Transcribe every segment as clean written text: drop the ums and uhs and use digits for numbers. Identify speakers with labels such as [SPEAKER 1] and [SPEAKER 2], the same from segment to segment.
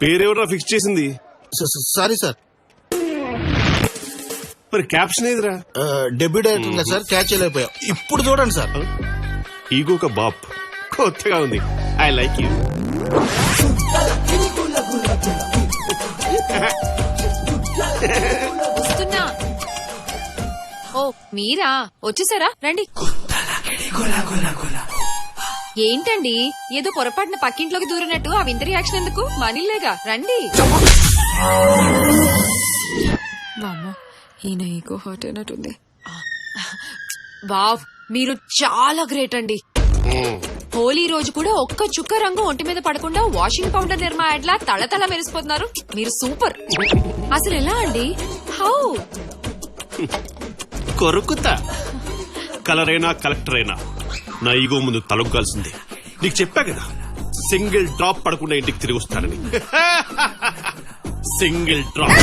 [SPEAKER 1] పేరెవరా fix చేసింది?
[SPEAKER 2] Sorry sir.
[SPEAKER 1] మరి caption ఏదిరా?
[SPEAKER 2] డెబ్యూ డైరెక్టర్ సార్, క్యాచ్ చేయలేకపోయా. ఇప్పుడు చూడండి సార్.
[SPEAKER 1] ఈగో ఒక బాప్, కొత్తగా ఉంది. I like you.
[SPEAKER 3] వస్తున్నా. ఓ మీరా, వచ్చేసారా? రండి. ఏంటండి ఏదో పొరపాటున పక్కింట్లోకి దూరినట్టు ఆ వింత రియాక్షన్ ఎందుకు? మనీలేగా, రండి. వామ్మో, ఈయన ఈగో హర్ట్ అయినట్టుంది. వావ్, మీరు చాలా గ్రేట్ అండి. హోలీ రోజు కూడా ఒక్క చుక్క రంగు ఒంటి మీద పడకుండా వాషింగ్ పౌడర్ నిర్మా యాడ్లా తళతళ మెరిసిపోతున్నారు. మీరు సూపర్. అసలు ఎలా అండి? హౌ?
[SPEAKER 1] కొరుకుతా. కలర్ అయినా కలెక్టర్ అయినా నా ఈగో ముందు తలొగ్గాల్సిందే. నీకు చెప్పా కదా, సింగిల్ డ్రాప్ పడకుండా ఇంటికి తిరిగి వస్తానని. Single drop.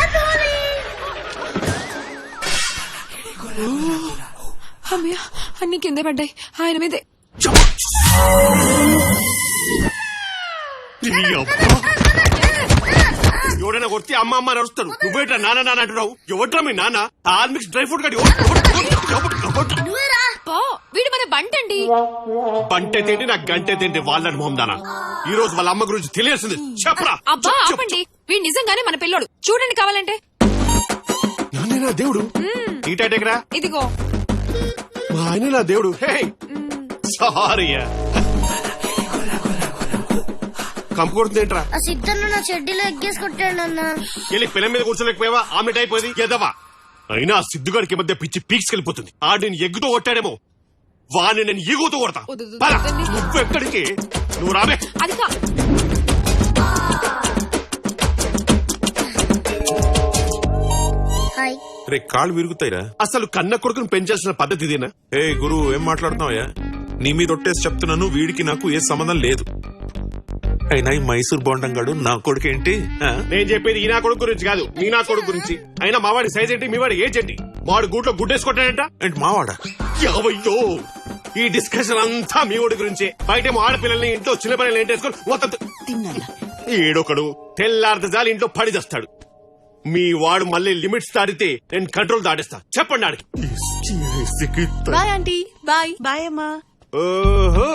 [SPEAKER 3] అమ్మయ్య, అన్ని కింద పడ్డాయి ఆయన మీదే.
[SPEAKER 1] ఎవడైనా కొడితే అమ్మ అమ్మ నడుస్తాడు. నువ్వేట్రా నాన్న నాన్న అంటున్నావు? ఎవట్రా మీ నాన్న? ఆల్మిక్స్ డ్రై ఫ్రూట్ గడి.
[SPEAKER 3] వీడు మన బంటండి.
[SPEAKER 1] బంటే తిండి నాకు గంటే తిండి. వాళ్ళని మొహం దానా. ఈ రోజు వాళ్ళ అమ్మ గురించి తెలియాల్సింది. చెప్పరా?
[SPEAKER 3] అబ్బా ఆపండి, వీడు నిజంగానే మన పిల్లోడు. చూడండి కావాలంటే.
[SPEAKER 1] నాన్న దేవుడు. ఈ టైటెకరా
[SPEAKER 3] ఇదిగో.
[SPEAKER 1] మా ఆయన నా దేవుడు. సారీ. కంపు కొడుతుందేంట్రా?
[SPEAKER 4] ఆ సిద్ధన్న నా చెడ్డీలో ఎగ్గేసి కొట్టాడు అన్న.
[SPEAKER 1] వెళ్ళి పిల్ల మీద కూర్చోలేకపోయావా? ఆమ్లెట్ అయిపోయింది ఎదవా. అయినా ఆ సిద్ధుగాడికి మధ్య పిచ్చి పీక్స్కెళ్ళిపోతుంది. ఆడు నేను ఎగ్గుతో కొట్టాడేమో, వాడిని నేను ఈగోతో కొడతా. నువ్వు ఎక్కడికి? నువ్వు రాబే.
[SPEAKER 3] అది
[SPEAKER 4] హాయ్.
[SPEAKER 5] రే కాళ్ళు విరుగుతాయిరా.
[SPEAKER 1] అసలు కన్న కొడుకును పెంచాల్సిన పద్ధతి ఇదేనా?
[SPEAKER 5] ఏ గురు, ఏం మాట్లాడుతున్నావయ్యా? నీ మీద ఒట్టేసి చెప్తున్నాను, వీడికి నాకు ఏ సంబంధం లేదు. అయినా ఈ మైసూర్ బోండంగాడు నా కొడుకేంటి?
[SPEAKER 1] నేను చెప్పేది ఈ నా కొడుకు గురించి కాదు, నీ నా కొడుకు గురించి. అయినా మావాడి సైజ్ ఏంటి, మీ వాడి ఏజ్ ఏంటి? మావాడు గూట్లో గుడ్డేసుకుంటాడంట.
[SPEAKER 5] ఏంటి మావాడా?
[SPEAKER 1] యావయ్యో, ఈ డిస్కషన్ అంతా మీ వాడి గురించే. బయటేమో ఆడపిల్లల్ని, ఇంట్లో చిన్న పిల్లల్ని ఏంటేసుకొని మొత్తం ఏడొకడు తెల్లారితే చాలు ఇంట్లో పడి చేస్తాడు. మీ వాడు మళ్ళీ లిమిట్స్ దాటితే నేను కంట్రోల్ దాటిస్తా. చెప్పండి ఆడికి.
[SPEAKER 6] Bye aunty. బాయ్. బాయ్ అమ్మా.
[SPEAKER 1] ఓహో,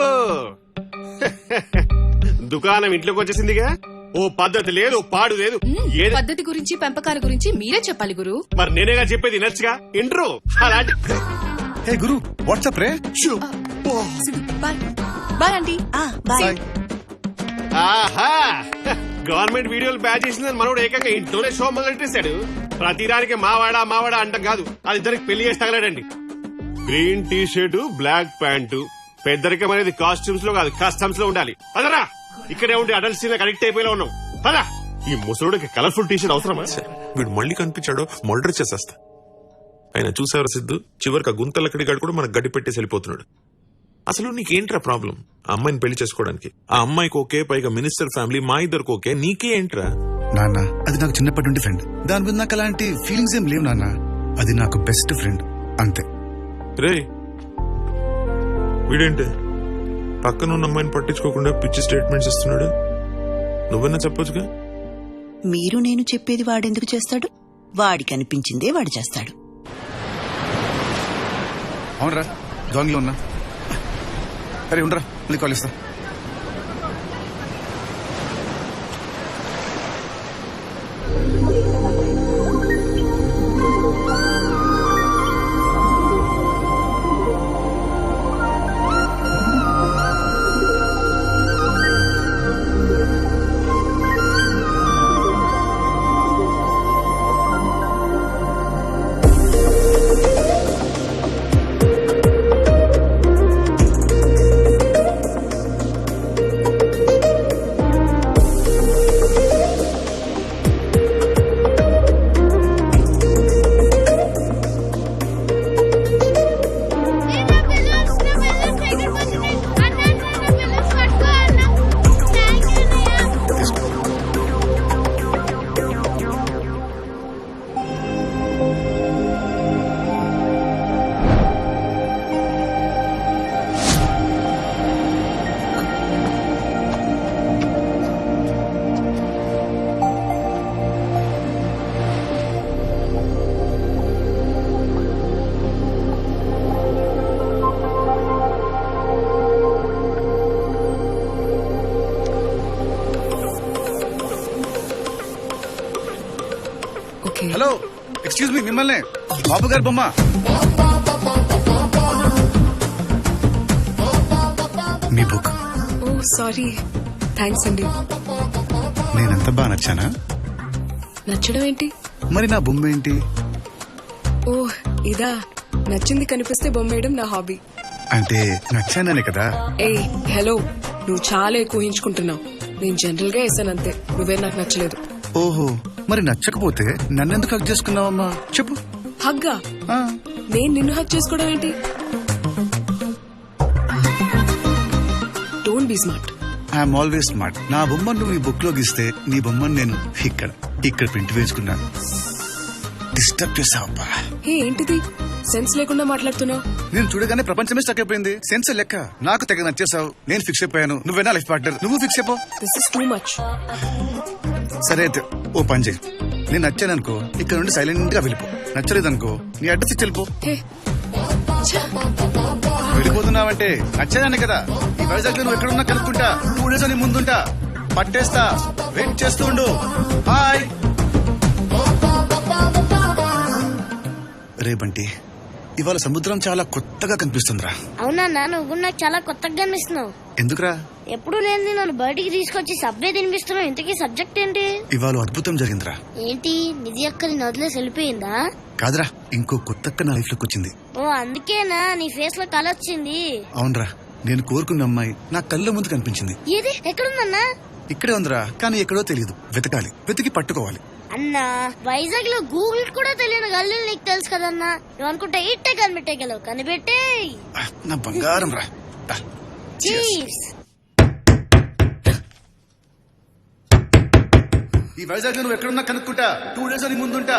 [SPEAKER 1] దుకాణం ఇంట్లోకి వచ్చేసిందిగా. ఓ పద్ధతి లేదు, పాడు లేదు. ఏది
[SPEAKER 6] పద్ధతి గురించి పెంపకాల గురించి మీరే చెప్పాలి గురు.
[SPEAKER 1] మరి నేనేగా చెప్పేది నచ్చగా ఇంట్రో అలాంటి.
[SPEAKER 7] హే గురు, వాట్సాప్ రే.
[SPEAKER 6] బాయ్. Bye aunty. బాయ్.
[SPEAKER 1] ఆహా, గవర్నమెంట్ వీడియోలు బ్యాచ్ చేసిందని మనోడు ఏకంగా ఇంట్లోనే షో మొదలెట్టేశాడు. ప్రతిదానికి మావాడా మావాడా అంటాం కాదు, అది ఇద్దరికి పెళ్లి చేసి తగలడండి. Green t-shirt, black pant. పెద్దరికం అనేది కాస్ట్యూమ్స్ లో కాదు, కస్టమ్స్ లో ఉండాలి. పదరా, ఇక్కడే ఉండి అడల్ట్ సీన్ అడిక్ట్ అయిపోయేలా ఉన్నాం. పదా, ఈ ముసలుడికి కలర్ఫుల్ టీ షర్ట్ అవసరమా?
[SPEAKER 5] వీడు మళ్ళీ కనిపించాడో మర్డర్ చేసేస్తా. ఆయన చూసేవారు సిద్ధు, చివరికి ఆ గుంతలక్కడిగాడు కూడా మనకు గడ్డి పెట్టేసి వెళ్ళిపోతున్నాడు. అసలు నీకేంట్రా ప్రాబ్లం? ఆ అమ్మాయిని పెళ్లి చేసుకోవడానికి. ఆ అమ్మాయికి ఓకే, పైగా మినిస్టర్ ఫ్యామిలీ, మా ఇద్దరికి ఓకే, నీకే ఏంట్రా?
[SPEAKER 7] నాన్న, అది నాకు చిన్నప్పటి నుండి ఫ్రెండ్. దాని మీద నాకు అలాంటి ఫీలింగ్స్ ఏం లేవు నాన్న. అది నాకు బెస్ట్ ఫ్రెండ్ అంతే.
[SPEAKER 5] రే వీడేంటి పక్కన ఉన్న అమ్మాయిని పట్టించుకోకుండా పిచ్చి స్టేట్మెంట్స్ ఇస్తున్నాడు? నువ్వన్నా చెప్పొచ్చుగా.
[SPEAKER 8] మీరు నేను చెప్పేది వాడెందుకు చేస్తాడు? వాడికి అనిపించిందే వాడు చేస్తాడు.
[SPEAKER 7] అవునరా, జాంగ్ లో ఉన్నా. అరే ఉండరా, మళ్ళీ కాల్ ఇస్తా. హలో ఎక్స్క్యూజ్ మీ, మిమ్మల్ని బాబు గారి బొమ్మ. మీ బుక్.
[SPEAKER 6] ఓ సారీ, థ్యాంక్స్ అండి.
[SPEAKER 7] నేనెంత బాగా నచ్చానా?
[SPEAKER 6] నచ్చడం ఏంటి?
[SPEAKER 7] మరి నా బొమ్మ ఏంటి?
[SPEAKER 6] ఓ ఇదా, నచ్చింది కనిపిస్తే బొమ్మేయడం నా హాబీ.
[SPEAKER 7] అంటే నచ్చాననే కదా.
[SPEAKER 6] ఏ హలో, నువ్వు చాలా ఎక్కువ ఊహించుకుంటున్నావు. నేను జనరల్ గా వేసానంతే, నువ్వే నాకు నచ్చలేదు.
[SPEAKER 7] ఓహో, మరి నచ్చకపోతే నన్నెందుకు హక్ చేసుకున్నావమ్మా చెప్పు.
[SPEAKER 6] హగ్గా?
[SPEAKER 7] ఆ,
[SPEAKER 6] నేను నిన్ను హక్ చేసుకోవడం ఏంటి? Don't be smart.
[SPEAKER 7] I'm always smart. నా బొమ్మను నువ్వు నీ బుక్ లో గీస్తే నీ బొమ్మను నేను ఇక్కడ ప్రింట్ వేసుకున్నాను. డిస్టర్బ్ చేసావబ్బా.
[SPEAKER 6] హే ఏంటిది, సెన్స్ లేకుండా మాట్లాడుతున్నావు?
[SPEAKER 7] నేను చూడగానే ప్రపంచమే స్టక్ అయిపోయింది. సెన్స్ లెక్క నాకు తెగ నచ్చేసావు. నేను ఫిక్స్ అయిపోయాను. నువ్వేనా లైఫ్ పార్ట్నర్, నువ్వు ఫిక్స్ అయిపో.
[SPEAKER 6] This is too much.
[SPEAKER 7] సరే అయితే ఓ పని చేయి. నేను నచ్చాననుకో ఇక్కడ నుండి సైలెంట్ గా వెళ్ళిపో. నచ్చలేదనుకో నీ అడ్రస్ ఇచ్చి వెళ్ళిపో.
[SPEAKER 6] హే
[SPEAKER 7] వెళ్ళిపోతున్నావంటే నచ్చేదాన్ని కదా. ఈ వైజాగ్ లో నువ్వు ఎక్కడున్నా కనుక్కుంటా. 2 days అని ముందుంటా, పట్టేస్తా. వెయిట్ చేస్తూ ఉండు. బాయ్. రే బంటి, ఇవాళ సముద్రం చాలా కొత్తగా కనిపిస్తుందిరా.
[SPEAKER 4] అవునన్నా, నువ్వు కూడా నాకు చాలా కొత్తగా కనిపిస్తున్నావు.
[SPEAKER 7] ఎందుకురా?
[SPEAKER 4] ఎప్పుడు లేని నన్ను బయటికి తీసుకొచ్చి సబ్వే తినిపిస్తున్నావు. ఇంతకీ సబ్జెక్ట్ ఏంటి?
[SPEAKER 7] ఇవాళ అద్భుతం జరిగిందిరా.
[SPEAKER 4] ఏంటి, నిధి అక్కని వదిలేసి వెళ్ళిపోయిందా?
[SPEAKER 7] కాదురా, ఇంకో కొత్తక్క నా లైఫ్ లోకి వచ్చింది.
[SPEAKER 4] ఓ అందుకేనా నీ ఫేస్ లో కళ వచ్చింది?
[SPEAKER 7] అవునరా, నేను కోరుకున్న అమ్మాయి నా కళ్ళ ముందు కనిపించింది.
[SPEAKER 4] ఏది, ఎక్కడుందన్నా?
[SPEAKER 7] ఇక్కడే ఉందిరా, కానీ ఎక్కడో తెలియదు. వెతకాలి, వెతికి పట్టుకోవాలి.
[SPEAKER 4] అన్నా, వైజాగ్ లో గూగుల్ కూడా తెలియని గల్లీలు నీకు తెలుసు కదన్నా. నువ్వు అనుకుంటా ఇట్టే కనిపెట్టగలవు. కనిపెట్టే
[SPEAKER 7] ఆ, నా బంగారం రా. దా.
[SPEAKER 4] చీర్స్.
[SPEAKER 7] ఈ వైజాగ్ లో నువ్వు ఎక్కడున్నా కనుక్కుంటా. 2 days అని ముందుంటా.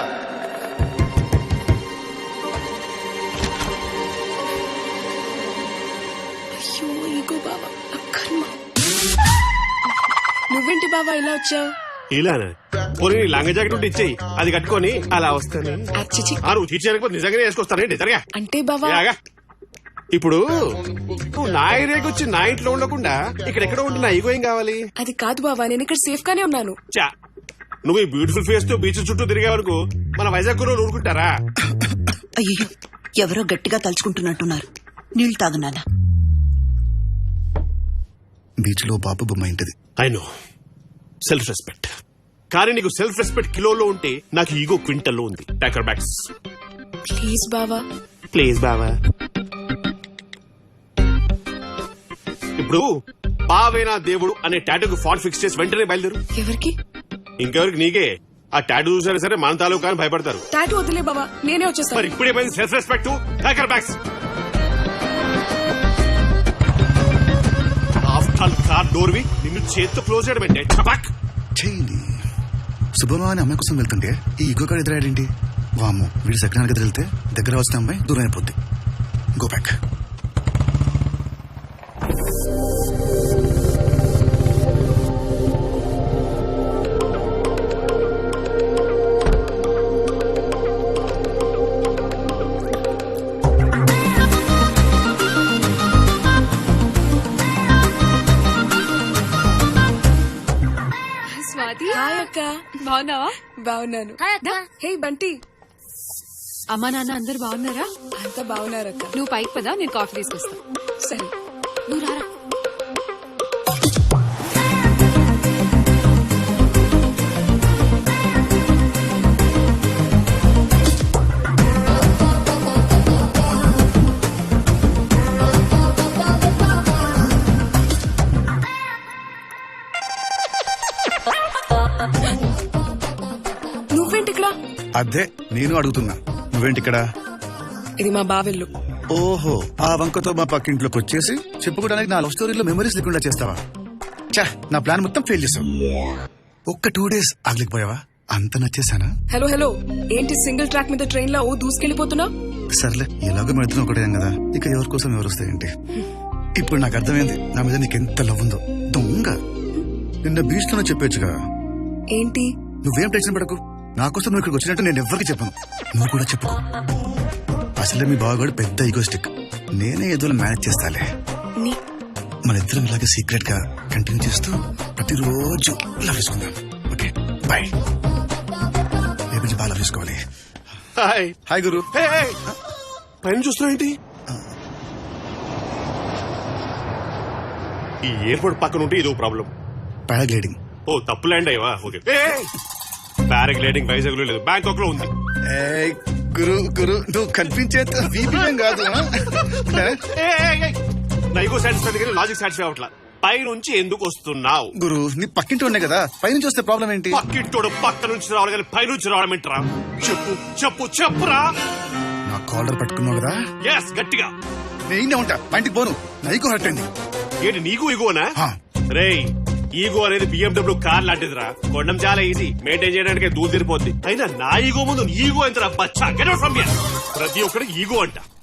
[SPEAKER 6] అయ్యో ఈగో బావా, నా కర్మ. నువ్వేంటి బావా ఇలా వచ్చావు?
[SPEAKER 1] ఇలానా? పోనీ లంగ జాకెట్ ఉంటే ఇచ్చేయి, అది కట్టుకొని అలా వస్తాను.
[SPEAKER 6] అచ్చిచి.
[SPEAKER 1] నువ్వు తీర్చడానికి నిజంగానే వేసుకొస్తానండి. జరగా
[SPEAKER 6] అంటే బావా
[SPEAKER 1] ఇలాగా. ఇప్పుడు నువ్వు నా ఏరియాకి వచ్చి నా ఇంట్లో ఉండకుండా ఇక్కడెక్కడో ఉంటే నా ఈగో ఏం కావాలి?
[SPEAKER 6] అది కాదు బావా, నేను ఇక్కడ సేఫ్ గానే ఉన్నాను.
[SPEAKER 1] చా, నువ్వు ఈ బ్యూటిఫుల్ ఫేస్ తో బీచ్ చుట్టూ తిరిగే వరకు మన వైజాగ్ లో ఊరుకుంటారా?
[SPEAKER 8] అయ్యో, ఎవరో గట్టిగా తలుచుకుంటున్నట్టున్నారు. నీళ్లు తాగునానా?
[SPEAKER 7] బీచ్ లో బాబు బొమ్మ ఏంటిది?
[SPEAKER 1] I know, self respect. కానీ నీకు సెల్ఫ్ రెస్పెక్ట్ కిలోలో ఉంటే నాకు ఈగో క్వింటల్లో ఉంది. టాకర్ బ్యాగ్స్.
[SPEAKER 6] ప్లీజ్ బావా.
[SPEAKER 1] ప్లీజ్ బావా. ఇప్పుడు బావేనా దేవుడు అనే టాటూకి ఫాంట్ ఫిక్స్ చేసి వెంటనే బయలుదేరు.
[SPEAKER 6] ఎవరికి?
[SPEAKER 1] ఇంకెవరికి? నీకే. ఆ టాటూ చూసారా సరే మన తాలూకా అని భయపడతారు.
[SPEAKER 6] టాటూ వదిలే బావా, నేనే
[SPEAKER 1] మరి
[SPEAKER 6] వచ్చేస్తాను.
[SPEAKER 1] ఇప్పుడే పోయింది సెల్ఫ్ రెస్పెక్ట్. టాకర్ బ్యాగ్స్. ఆఫ్టర్ ఆల్ కార్ డోర్ వి నిన్ను చేత్తో క్లోజ్ చేయడం ఏంటి? చపాక్.
[SPEAKER 7] చేయండి. శుభమా అని అమ్మాయి కోసం వెళ్తుంటే ఈ ఇగో కాడ ఎదురాడేంటి? వాము, వీడి సెకండ్ గది వెళ్తే దగ్గర వచ్చిన అమ్మాయి దూరం అయిపోద్ది. Go back.
[SPEAKER 3] స్వాతి,
[SPEAKER 6] హాయ్ అక్క.
[SPEAKER 3] బాగున్నావా?
[SPEAKER 6] బాగున్నాను.
[SPEAKER 4] హాయ్ అక్క.
[SPEAKER 6] హే బంటి.
[SPEAKER 3] అమ్మా నాన్న అందరు బాగున్నారా?
[SPEAKER 6] అంతా బాగున్నారక్క.
[SPEAKER 3] నువ్వు పైకి పదా, నేను కాఫీ తీసుకొస్తా.
[SPEAKER 6] సరే.
[SPEAKER 3] నువ్వు రారా.
[SPEAKER 6] నువ్వేంటి ఇక్కడ?
[SPEAKER 7] అదే నేను అడుగుతున్నా, నువ్వేంటి ఇక్కడ?
[SPEAKER 6] ఇది మా బావిల్లు.
[SPEAKER 7] ఓహో, ఆ వంకతో మా పక్కింట్లోకి వచ్చేసి చెప్పుకోవడానికి నా లవ్ స్టోరీలో మెమరీస్ లేకుండా చేస్తావా? చా, నా ప్లాన్ మొత్తం ఫెయిల్ చేసావు. ఒక్క 2 days ఆగలేకపోయావా? అంత నచ్చేసానా?
[SPEAKER 6] హలో హలో, ఏంటి సింగిల్ ట్రాక్ మీద ట్రైన్ లో దూసుకెళ్లిపోతున్నా?
[SPEAKER 7] సర్లే, ఎలాగో మెడుతున్నా ఒకటే కదా, ఇక ఎవరి కోసం ఎవరు వస్తాయంటే. ఇప్పుడు నాకు అర్థమైంది నా మీద నీకెంత లవ్ ఉందో. దొంగ, నిన్న బీచ్ లోనే చెప్పొచ్చుగా.
[SPEAKER 6] ఏంటి?
[SPEAKER 7] నువ్వేం టెన్షన్ పడకు, నా కోసం నువ్వు ఇక్కడికి వచ్చినట్టు నేను ఎవ్వరికి చెప్పను. నువ్వు కూడా చెప్పుకో. అసలే మీ బావగాడు పెద్ద ఈగోస్టిక్. నేనే ఏదో మేనేజ్ చేస్తాలే.
[SPEAKER 6] నీ-
[SPEAKER 7] మన ఇద్దరం ఇలాగే సీక్రెట్ గా కంటిన్యూ చేస్తూ ప్రతిరోజు లవ్ చేసుకుందాం. Okay bye. రేపు బాగా తీసుకోవాలి.
[SPEAKER 1] హాయ్
[SPEAKER 7] హాయ్ గురు.
[SPEAKER 1] Hey, hey. పైన చూస్తున్నావు ఏంటి? ఈ ఎయిర్పోర్ట్ పక్కన ఉంటే ఇదో ప్రాబ్లం.
[SPEAKER 7] పారాగ్లైడింగ్.
[SPEAKER 1] ఓ తప్పు ల్యాండ్ అయ్యవా? ఓకే. పారాగ్లైడింగ్ వైజాగ్ లో లేదు, బ్యాంకాక్ లో ఉంది.
[SPEAKER 7] ఏయ్, గురు గురు నువ్వు కనిపించేంత వీపీఎం కాదు.
[SPEAKER 1] నైగో సాటిస్ఫై కానీ లాజిక్ సాటిస్ఫై అవట్లా. పై నుంచి ఎందుకు వస్తున్నావు?
[SPEAKER 7] గురు నీ పక్కింటి ఉన్నాయి కదా, పైనుంచి వస్తే ప్రాబ్లం ఏంటి?
[SPEAKER 1] పక్కింటోడు పక్క నుంచి రావాలి కానీ పై నుంచి రావడం ఏంట్రా? చెప్పు చెప్పు చెప్పురా.
[SPEAKER 7] నా కాలర్ పట్టుకున్నావు కదా,
[SPEAKER 1] ఎస్ గట్టిగా.
[SPEAKER 7] నేనే ఉంటా, బయటికి పోను. నైకు హర్ట్ అయింది.
[SPEAKER 1] ఏంటి నీకు ఈగోనా?
[SPEAKER 7] హా.
[SPEAKER 1] రేయ్ ఈగో అనేది BMW కార్ లాంటిదిరా. కొనడం చాలా ఈజీ, మెయింటైన్ చేయడానికి దూరం తిరిపోద్ది. అయినా నా ఈగో ముందు ఈగో ఎంతరా బచ్చా? Get out from here. ప్రతి ఒక్కరికి ఈగో అంట.